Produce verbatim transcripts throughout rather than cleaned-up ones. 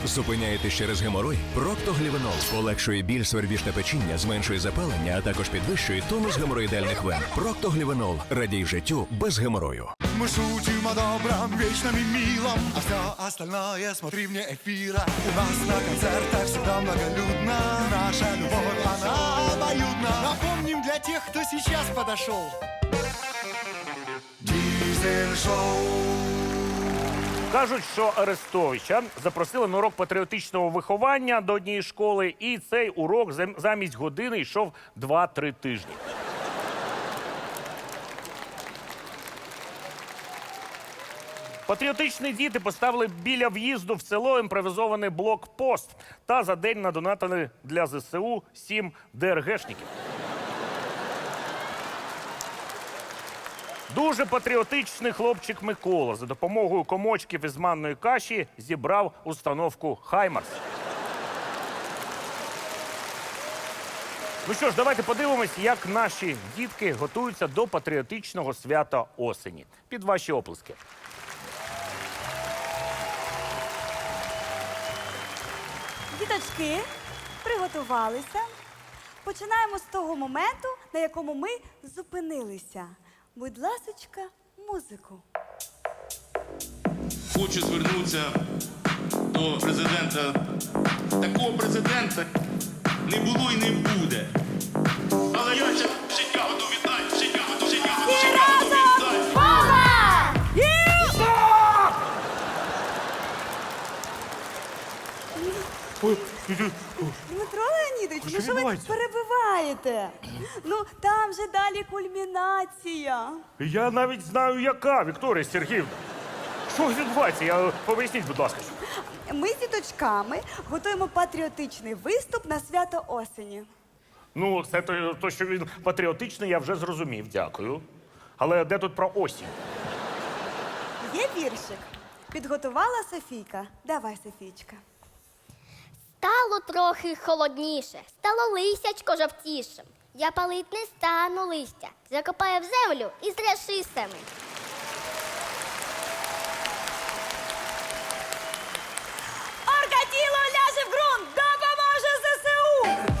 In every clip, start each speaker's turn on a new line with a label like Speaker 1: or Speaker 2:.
Speaker 1: Зупиняєтесь через геморой? Проктоглівенол полегшує біль, свербіж та печіння, зменшує запалення, а також підвищує тонус геморроїдальних вен. Проктоглівенол. Радій життю без геморою.
Speaker 2: Мы шутим о добром, вечном и милом, а все остальное смотри вне эфира. У нас на концертах всегда многолюдно, наша любовь, она обоюдна. Напомним для тех, кто сейчас подошел. Дизель-шоу.
Speaker 3: Кажуть, що Арестовича запросили на урок патріотичного виховання до однієї школи, і цей урок зам- замість години йшов два-три тижні. Патріотичні діти поставили біля в'їзду в село імпровізований блокпост та за день надонатили для зе се у сім де ер гешників. Дуже патріотичний хлопчик Микола за допомогою комочків із манної каші зібрав установку «Хаймарс». Ну що ж, давайте подивимось, як наші дітки готуються до патріотичного свята осені. Під ваші оплески.
Speaker 4: Діточки, приготувалися. Починаємо з того моменту, на якому ми зупинилися. Будь ласочка, музику.
Speaker 5: Хочу звернутися до президента. Такого президента не було і не буде. Але я ще життя готов віддати, життя готов, життя готов, життя готов віддати.
Speaker 4: Дмитро Леонідович, ну що ви
Speaker 3: відбувається?
Speaker 4: перебиваєте? Ну, там же далі кульмінація.
Speaker 3: Я навіть знаю, яка, Вікторія Сергіївна. Що відбувається? Я... Поясніть, будь ласка.
Speaker 4: Ми з діточками готуємо патріотичний виступ на свято осені.
Speaker 3: Ну, це то, то, що він патріотичний, я вже зрозумів, дякую. Але де тут про осінь?
Speaker 4: Є віршик. Підготувала Софійка. Давай, Софійчка.
Speaker 6: Стало трохи холодніше, стало листячко жовтішим. Я палить не стану листя, закопаю в землю і зряши сами.
Speaker 4: Оркатіло ляже в ґрунт, допоможе зе се у!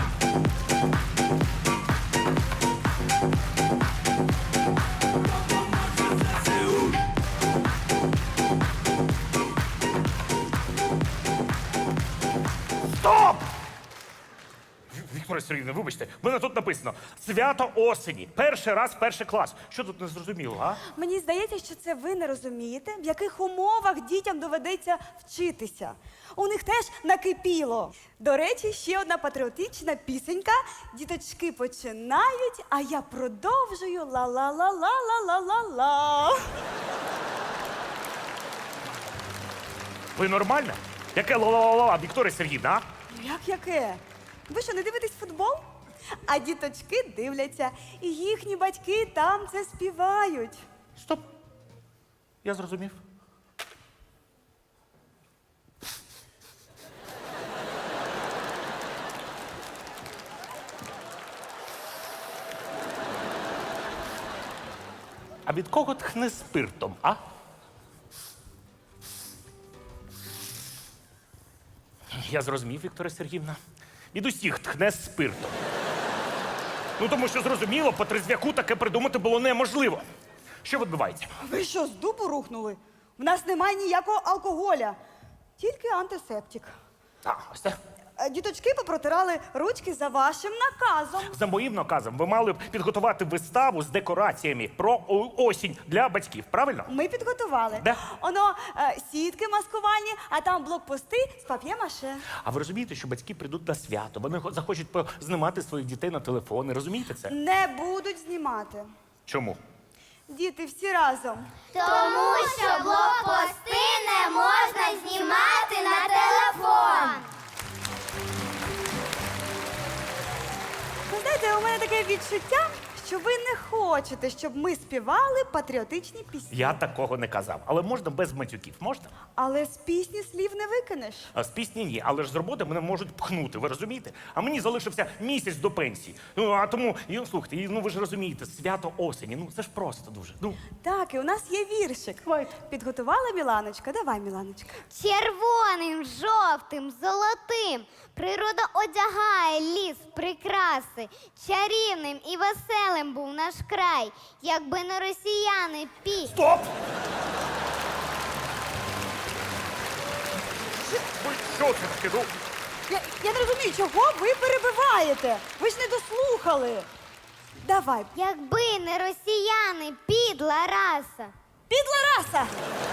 Speaker 3: Стоп! Вікторія Сергіївна, вибачте, в мене тут написано «Свято осені. Перший раз, перший клас». Що тут не зрозуміло, а?
Speaker 4: Мені здається, що це ви не розумієте, в яких умовах дітям доведеться вчитися. У них теж накипіло. До речі, ще одна патріотична пісенька. Діточки починають, а я продовжую ла-ла-ла-ла-ла-ла-ла-ла.
Speaker 3: Ви нормальна? Яке ла-ла-ла-ла, Вікторія Сергіївна, а?
Speaker 4: Як яке? Ви що, не дивитесь футбол? А діточки дивляться, і їхні батьки там це співають.
Speaker 3: Стоп. Я зрозумів. А від кого тхне спиртом, а? Я зрозумів, Вікторія Сергіївна. Від усіх тхне спиртом. Ну, тому що, зрозуміло, по трезвяку таке придумати було неможливо. Що відбувається?
Speaker 4: Ви що, з дубу рухнули? В нас немає ніякого алкоголя, тільки антисептик.
Speaker 3: А, ось це.
Speaker 4: Е, Діточки попротирали ручки за вашим наказом.
Speaker 3: За моїм наказом, ви мали б підготувати виставу з декораціями про о- осінь для батьків, правильно?
Speaker 4: Ми підготували.
Speaker 3: Де?
Speaker 4: Оно е, сітки маскувальні, а там блокпости з пап'є-маше.
Speaker 3: А ви розумієте, що батьки прийдуть на свято, вони хо- захочуть знімати своїх дітей на телефони, розумієте це?
Speaker 4: Не будуть знімати.
Speaker 3: Чому?
Speaker 4: Діти всі разом.
Speaker 6: Тому що блокпости не можна знімати на телефон.
Speaker 4: Ви знаєте, у мене таке відчуття, що ви не хочете, щоб ми співали патріотичні пісні.
Speaker 3: Я такого не казав. Але можна без матюків, можна?
Speaker 4: Але з пісні слів не викинеш.
Speaker 3: А з пісні ні, але ж з роботи мене можуть пхнути, ви розумієте? А мені залишився місяць до пенсії. Ну, а тому, і, ну, слухайте, і, ну ви ж розумієте, свято осені, ну це ж просто дуже. Ну,
Speaker 4: Так, і у нас є віршик.
Speaker 3: Давайте.
Speaker 4: Підготувала Міланочка? Давай, Міланочка.
Speaker 6: Червоним, жовтим, золотим природа одягає ліс прикраси. Чарівним і веселим був наш край, якби не росіяни пі.
Speaker 3: стоп! Ой, що це таке? Ну,
Speaker 4: Я, я не розумію, чого ви перебиваєте? Ви ж не дослухали. Давай.
Speaker 6: Якби не росіяни, підла раса.
Speaker 4: Підла раса!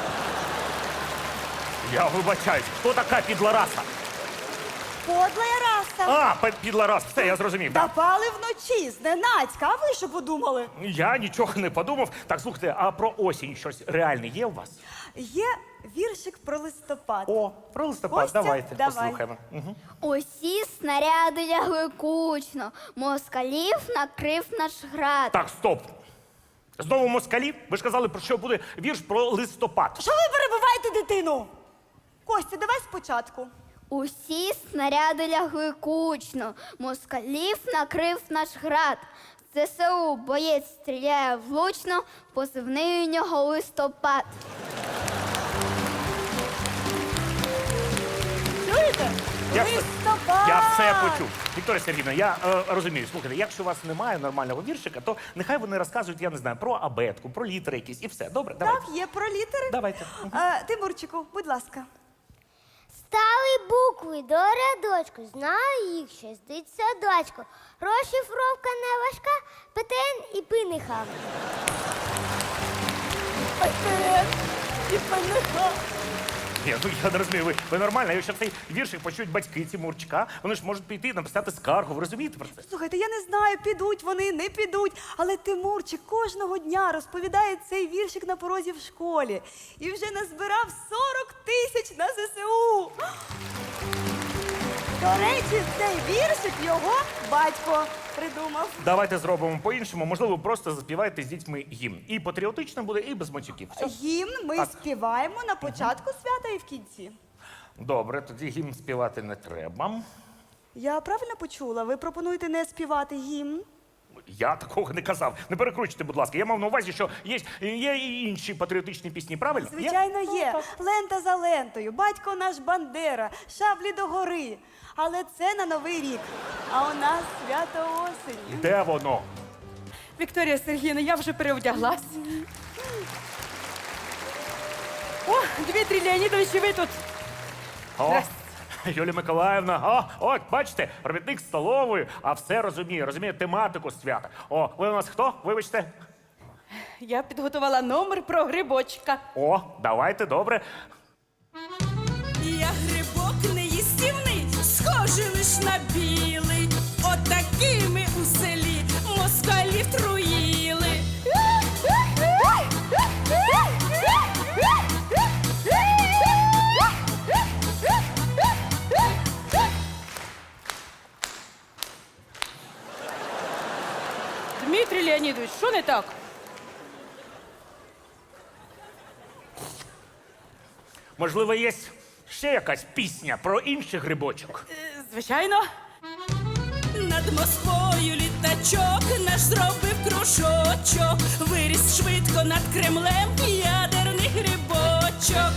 Speaker 3: я вибачаюсь, хто така підлараса?
Speaker 4: Подлая раса!
Speaker 3: А, пе- підларас, все, я зрозумів. Да.
Speaker 4: Напали вночі, зненацька, а ви що подумали?
Speaker 3: Я нічого не подумав. Так, слухайте, а про осінь щось реальне є у вас?
Speaker 4: Є віршик про листопад.
Speaker 3: О, про листопад,
Speaker 4: Костя,
Speaker 3: давайте,
Speaker 4: давай.
Speaker 3: послухаємо. Угу.
Speaker 6: Усі снаряди лягли кучно, москалів накрив наш град.
Speaker 3: Так, стоп. Знову москалі? Ви ж казали, про що буде вірш про листопад.
Speaker 4: Що ви перебиваєте дитину? Костя, давай спочатку.
Speaker 6: Усі снаряди лягли кучно, москалів накрив наш град. ЗСУ боєць стріляє влучно, позивний у нього листопад.
Speaker 4: Чуєте?
Speaker 3: Я все-
Speaker 4: Листопад!
Speaker 3: Я все почув. Вікторія Сергіївна, я е, розумію, слухайте, якщо у вас немає нормального віршика, то нехай вони розказують, я не знаю, про абетку, про літери якісь і все. Добре, давайте.
Speaker 4: Так, є про літери.
Speaker 3: Давайте.
Speaker 4: Е, Тимурчику, будь ласка.
Speaker 6: Стали букви до рядочку, знаю їх шістдесят садочку. Розшифровка не важка, ПТН і пиниха.
Speaker 4: І паниха.
Speaker 3: Ні, ну я не розумію, ви, ви нормально, якщо цей віршик почують батьки Тимурчика, вони ж можуть піти і написати скаргу, ви розумієте про це?
Speaker 4: Слухайте, я не знаю, підуть вони, не підуть, але Тимурчик кожного дня розповідає цей віршик на порозі в школі. І вже назбирав сорок тисяч на ЗСУ. До речі, цей віршик його батько придумав.
Speaker 3: Давайте зробимо по-іншому, можливо, просто заспівайте з дітьми гімн. І патріотично буде, і без матюків. Все?
Speaker 4: Гімн ми
Speaker 3: Так.
Speaker 4: співаємо на початку свята і в кінці.
Speaker 3: Добре, тоді гімн співати не треба.
Speaker 4: Я правильно почула? Ви пропонуєте не співати гімн?
Speaker 3: Я такого не казав. Не перекручуйте, будь ласка. Я мав на увазі, що є, є і інші патріотичні пісні, правильно? Є?
Speaker 4: Звичайно, є. Лента за лентою, батько наш Бандера, шаблі до гори. Але це на Новий рік. А у нас свято осені.
Speaker 3: Де воно?
Speaker 7: Вікторія Сергіївна, я вже переодяглась. О, Дмитрій Леонідович, і ви тут.
Speaker 3: О,
Speaker 7: Здрасте.
Speaker 3: Юлія Миколаївна, о, от, бачите, робітник столової, а все розуміє, розуміє тематику свята. О, ви у нас хто? Вибачте.
Speaker 7: Я підготувала номер про грибочка.
Speaker 3: О, давайте, добре.
Speaker 8: Я грибок неїстівний, схожий лиш на білий. Отакими у селі москалів труїли.
Speaker 7: Дмитрій Леонідович, що не так?
Speaker 3: Можливо, є ще якась пісня про інших грибочок.
Speaker 7: Е, Звичайно.
Speaker 8: Над Москвою літачок наш зробив кружочок. Виріс швидко над Кремлем ядерний грибочок.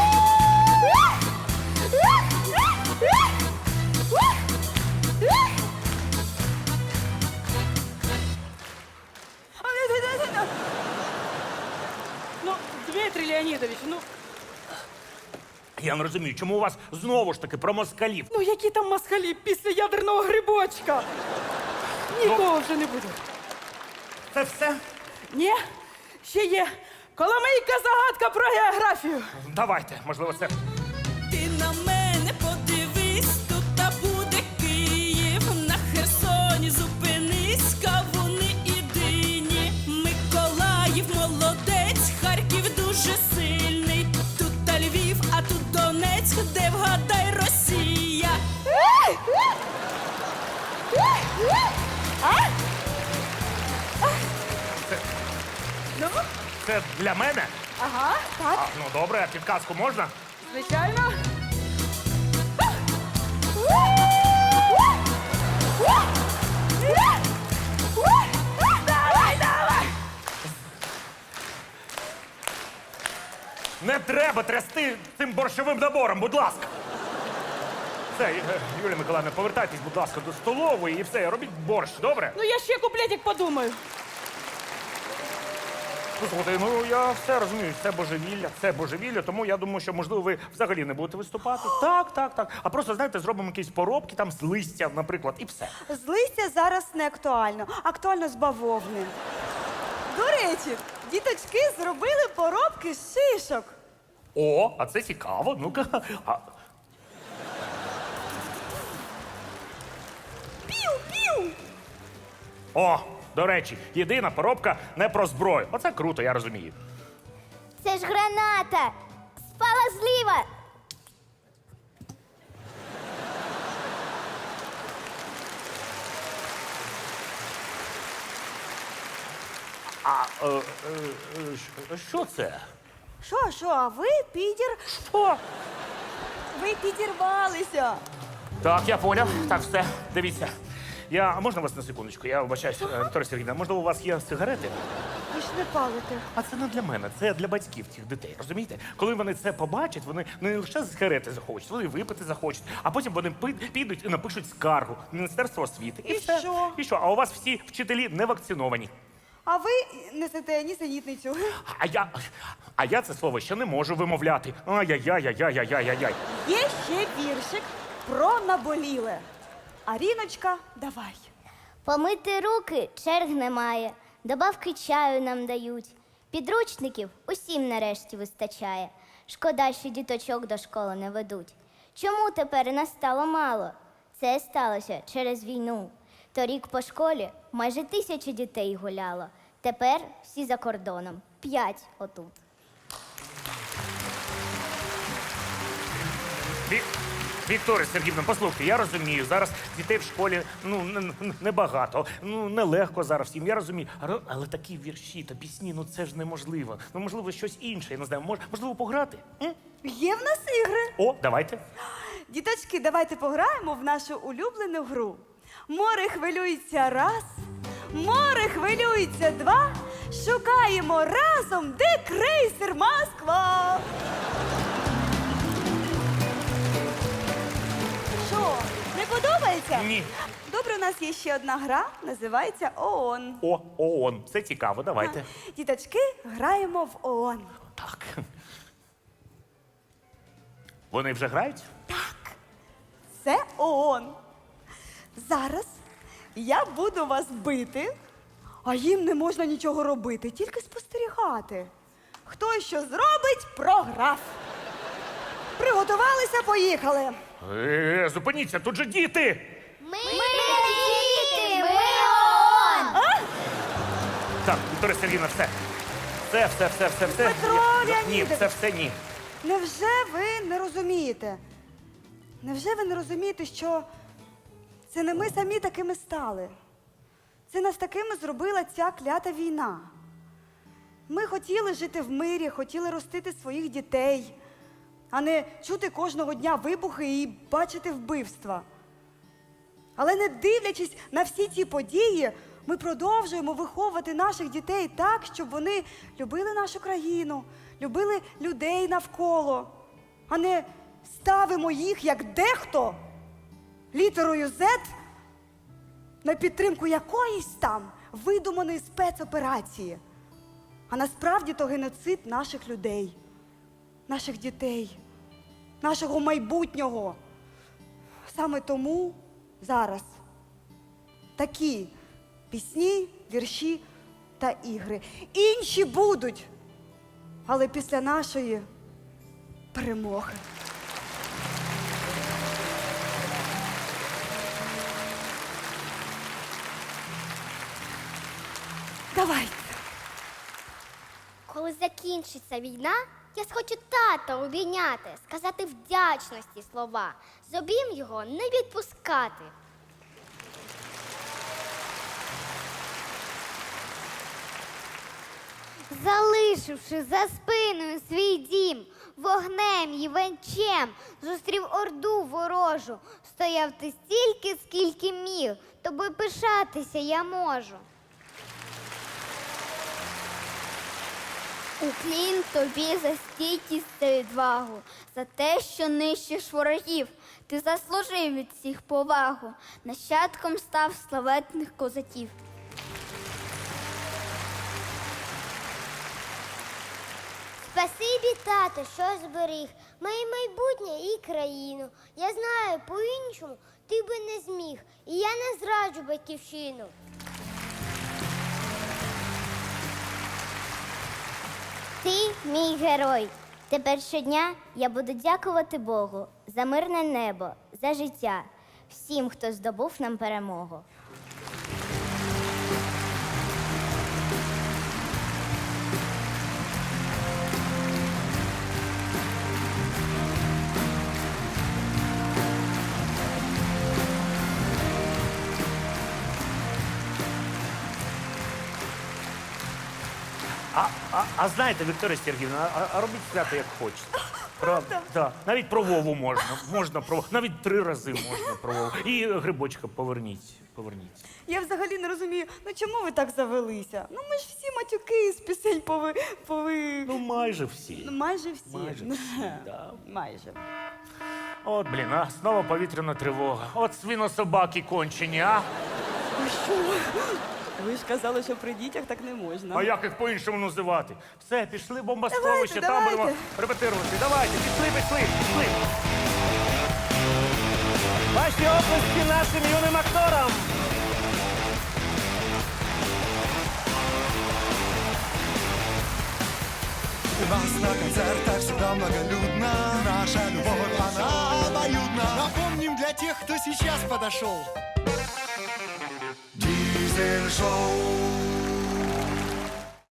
Speaker 7: Ну, Дмитрій Леонідович, ну,
Speaker 3: Я не розумію, чому у вас знову ж таки про москалів?
Speaker 7: ну які там москалі після ядерного грибочка? Нікого вже не буде.
Speaker 3: Це все?
Speaker 7: Ні, ще є Коломийка загадка про географію.
Speaker 3: Давайте, можливо, це.
Speaker 8: Ти на мене подивись, тут та буде Київ. На Херсоні зупинись, кавуни і дині. Миколаїв молодець, Харків дуже сильний. Тут та Львів, а тут Донецьк, де вгадай Росія.
Speaker 3: це для мене?
Speaker 4: Ага, так,
Speaker 3: А, ну добре, а підказку можна?
Speaker 7: Звичайно.
Speaker 4: давай, давай!
Speaker 3: Не треба трясти цим борщовим набором, будь ласка. Все, е, Юлія Миколаївна, повертайтесь, будь ласка, до столової і все, робіть борщ, добре?
Speaker 7: Ну я ще куплетик подумаю.
Speaker 3: Ну, слухайте, ну я все розумію, це божевілля, це божевілля, тому я думаю, що, можливо, ви взагалі не будете виступати. Так, так, так. А просто, знаєте, зробимо якісь поробки там з листя, наприклад, і все.
Speaker 4: З листя зараз не актуально, актуально з бавовни. До речі, діточки зробили поробки з шишок.
Speaker 3: О, а це цікаво. Ну-ка. А,
Speaker 4: Пів-пів!
Speaker 3: о, до речі, єдина поробка не про зброю. Оце круто, я розумію.
Speaker 6: Це ж граната! Спала зліва!
Speaker 3: А е, е, е, що- що це?
Speaker 4: Що, що, а ви підір...
Speaker 3: О,
Speaker 4: Ви підірвалися.
Speaker 3: так, я поняв. Так, все, дивіться. Я, а можна вас на секундочку? Я вибачаюсь, е, Вікторія Сергійовна, можливо, у вас є сигарети?
Speaker 4: Ви ж не палите.
Speaker 3: А це не для мене, це для батьків цих дітей. Розумієте? Коли вони це побачать, вони не лише сигарети захочуть, вони випити захочуть, а потім вони пи- підуть і напишуть скаргу в Міністерство освіти.
Speaker 4: І
Speaker 3: все.
Speaker 4: що?
Speaker 3: І що? А у вас всі вчителі не вакциновані.
Speaker 4: А ви несете нісенітницю.
Speaker 3: А я, а я це слово ще не можу вимовляти. Ай-яй-яй-яй-яй-яй-яй.
Speaker 4: Є ще віршик про наболіле. Аріночка, давай.
Speaker 6: Помити руки черг немає, добавки чаю нам дають. Підручників усім нарешті вистачає. Шкода, що діточок до школи не ведуть. Чому тепер нас стало мало? Це сталося через війну. Торік по школі майже тисяча дітей гуляло. Тепер всі за кордоном. П'ять отут.
Speaker 3: Ві... Вікторія Сергіївна, послухайте, я розумію, зараз дітей в школі ну не- не- небагато, ну нелегко зараз всім, я розумію. Але, але такі вірші та пісні, ну це ж неможливо. Ну, можливо, щось інше, я не знаю, мож, можливо, пограти? М?
Speaker 4: Є в нас ігри.
Speaker 3: О, давайте.
Speaker 4: Діточки, давайте пограємо в нашу улюблену гру. Море хвилюється раз, море хвилюється два. Шукаємо разом, де крейсер Москва. Що, не подобається?
Speaker 3: Ні.
Speaker 4: Добре, у нас є ще одна гра, називається ООН.
Speaker 3: О, ООН, це цікаво, давайте.
Speaker 4: Діточки, граємо в ООН.
Speaker 3: Так. Вони вже грають?
Speaker 4: Це ООН. Зараз я буду вас бити, а їм не можна нічого робити, тільки спостерігати. Хто що зробить, програв. Приготувалися, поїхали.
Speaker 3: Е, зупиніться, тут же діти!
Speaker 6: Ми, діти! Ми ООН!
Speaker 3: Так, Вікторія Сергіївна, все. Все, все, все, все, все.
Speaker 4: Петро
Speaker 3: Я- Ні,
Speaker 4: Леонідович.
Speaker 3: це все ні.
Speaker 4: Невже ви не розумієте? Невже ви не розумієте, що це не ми самі такими стали? Це нас такими зробила ця клята війна. Ми хотіли жити в мирі, хотіли ростити своїх дітей, а не чути кожного дня вибухи і бачити вбивства. Але не дивлячись на всі ці події, ми продовжуємо виховувати наших дітей так, щоб вони любили нашу країну, любили людей навколо, а не ставимо їх, як дехто, літерою «З» на підтримку якоїсь там видуманої спецоперації. А насправді то геноцид наших людей, наших дітей, нашого майбутнього. Саме тому зараз такі пісні, вірші та ігри. Інші будуть, але після нашої перемоги. Давайте.
Speaker 6: Коли закінчиться війна, я схочу тата обійняти, сказати вдячності слова. З обійм його не відпускати. залишивши за спиною свій дім, вогнем й венчем зустрів орду ворожу. Стояв ти стільки, скільки міг, тобою пишатися я можу. Уклін тобі за стійкість та відвагу, за те, що нищиш ворогів. Ти заслужив від всіх повагу, нащадком став славетних козаків.
Speaker 9: Спасибі, тато, що зберіг моє майбутнє і країну. Я знаю, по-іншому ти би не зміг, і я не зраджу батьківщину.
Speaker 6: Ти мій герой. Тепер щодня я буду дякувати Богу за мирне небо, за життя, всім, хто здобув нам перемогу.
Speaker 3: А, а, а знаєте, Вікторія Сергіївна, а, а робіть свято як хочете. Правда? Да. Навіть про Вову можна. Можна про навіть три рази можна про Вову. І грибочка поверніть. Поверніть.
Speaker 4: Я взагалі не розумію, ну чому ви так завелися? Ну ми ж всі матюки з пісень пови... пови...
Speaker 3: Ну, майже всі.
Speaker 4: Ну, майже всі.
Speaker 3: Майже
Speaker 4: Ну,
Speaker 3: всі, да.
Speaker 4: Майже.
Speaker 3: От, блін, а знову повітряна тривога. От свинособаки кончені, а?
Speaker 4: Ви що? Ви ж казали, що при дітях так не можна.
Speaker 3: А як їх по-іншому називати? Все, пішли бомбосховище,
Speaker 4: Давайте,
Speaker 3: там будемо
Speaker 4: давайте.
Speaker 3: репетирувати. Давайте, пішли, пішли, пішли. Ваші оплески нашим юним акторам.
Speaker 2: У нас на концертах всегда многолюдно. Наша любовь, она обоюдна. Напомним для тех, кто сейчас подошел. Дизель-шоу.